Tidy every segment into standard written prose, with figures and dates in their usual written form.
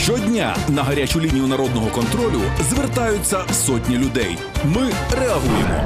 Щодня на гарячу лінію народного контролю звертаються сотні людей. Ми реагуємо.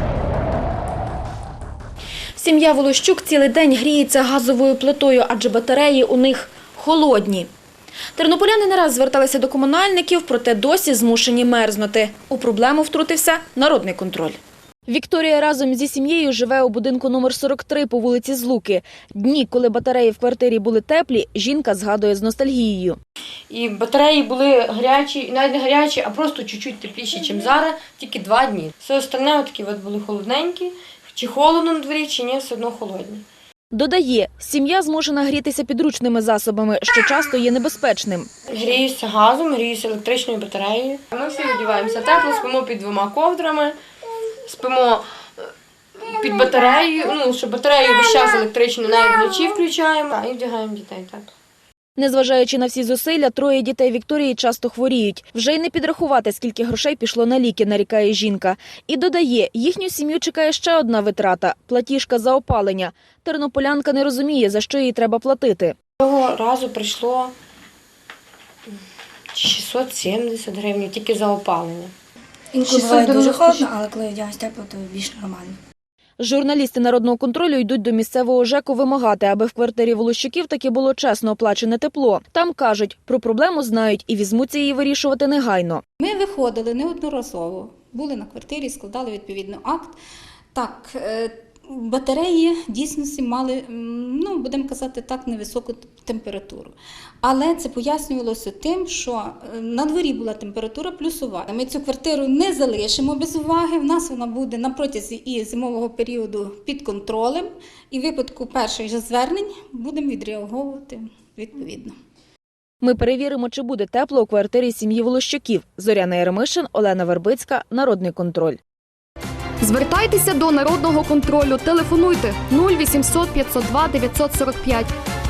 Сім'я Волощук цілий день гріється газовою плитою, адже батареї у них холодні. Тернополяни не раз зверталися до комунальників, проте досі змушені мерзнути. У проблему втрутився народний контроль. Вікторія разом зі сім'єю живе у будинку номер 43 по вулиці Злуки. Дні, коли батареї в квартирі були теплі, жінка згадує з ностальгією. І батареї були гарячі, навіть не гарячі, а просто чуть-чуть тепліші, ніж зараз, тільки 2 дні. Все остальне такі були холодненькі, чи холодно на дворі, чи ні, все одно холодні. Додає, сім'я змушена грітися підручними засобами, що часто є небезпечним. Гріюся газом, гріюся електричною батареєю. Ми всі одягаємося тепло, спимо під 2 ковдрами, спимо під батареєю, щоб батарею весь час електричну навіть вночі включаємо і вдягаємо дітей тепло. Незважаючи на всі зусилля, 3 дітей Вікторії часто хворіють. Вже й не підрахувати, скільки грошей пішло на ліки, нарікає жінка. І додає, їхню сім'ю чекає ще одна витрата – платіжка за опалення. Тернополянка не розуміє, за що їй треба платити. Цього разу прийшло 670 гривень тільки за опалення. Інколи буває дуже холодно, але коли вдягаюсь тепло, то більш нормально. Журналісти народного контролю йдуть до місцевого ЖЕКу вимагати, аби в квартирі Волощуків таки було чесно оплачене тепло. Там кажуть, про проблему знають і візьмуться її вирішувати негайно. Ми виходили неодноразово, були на квартирі, складали відповідно акт. Так, батареї дійсності мали, будемо казати так, невисоку температуру. Але це пояснювалося тим, що на дворі була температура плюсова. Ми цю квартиру не залишимо без уваги, в нас вона буде на протязі і зимового періоду під контролем. І в випадку перших же звернень будемо відреагувати відповідно. Ми перевіримо, чи буде тепло у квартирі сім'ї Волощуків. Зоряна Єремишин, Олена Вербицька, Народний контроль. Звертайтеся до Народного контролю. Телефонуйте 0800 502 945.